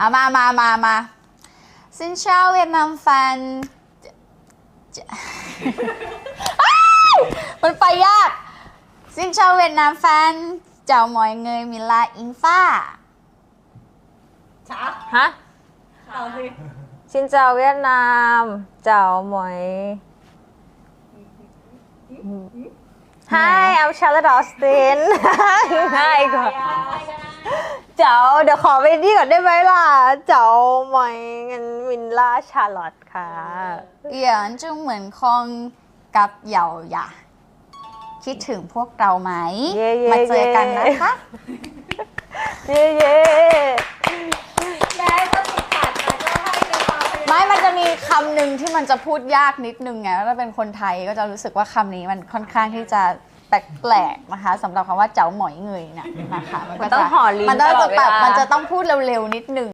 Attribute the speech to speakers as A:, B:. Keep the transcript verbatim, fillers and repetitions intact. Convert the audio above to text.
A: อ่ะมามามามาซินเช่าเวียดนามแฟนมันไปยากซินเช่าเวียดนามแฟนเจ้าหมอยเงยมิลาอิงฟ้า
B: ช้า
C: ฮะ
B: เอาสิ
C: ชินเจ้าเวียดนามเจ้าหมวย Hi I'm Charlotte Austin Hi ก่อนเจ้าเดี๋ยวขอไปนี่ก่อนได้ไหมล่ะเจ้าหมวยเงินวินล่าชาร์ลอตค่ะ
A: เอี่ยนจึงเหมือนคงกับเหยาหยาคิดถึงพวกเราไหม
C: เย่เย่
A: มาเจอกันนะคะ
C: เย่เย่
B: แม่ก็ติดขัดนะก็ให้ในความเป็น
A: ไม่มันจะมีคำหนึ่งที่มันจะพูดยากนิดนึงไงถ้าเป็นคนไทยก็จะรู้สึกว่าคำนี้มันค่อนข้างที่จะแปลกๆนะคะสำหรับคำว่าเจ้าหมอยเงยเนี่ยนะคะมันก็
C: ต้อง
A: จะ
C: ห่อลิ้น
A: มันต้อง
C: ตลอดเวลา
A: มันจะต้องพูดเร็วๆนิดนึง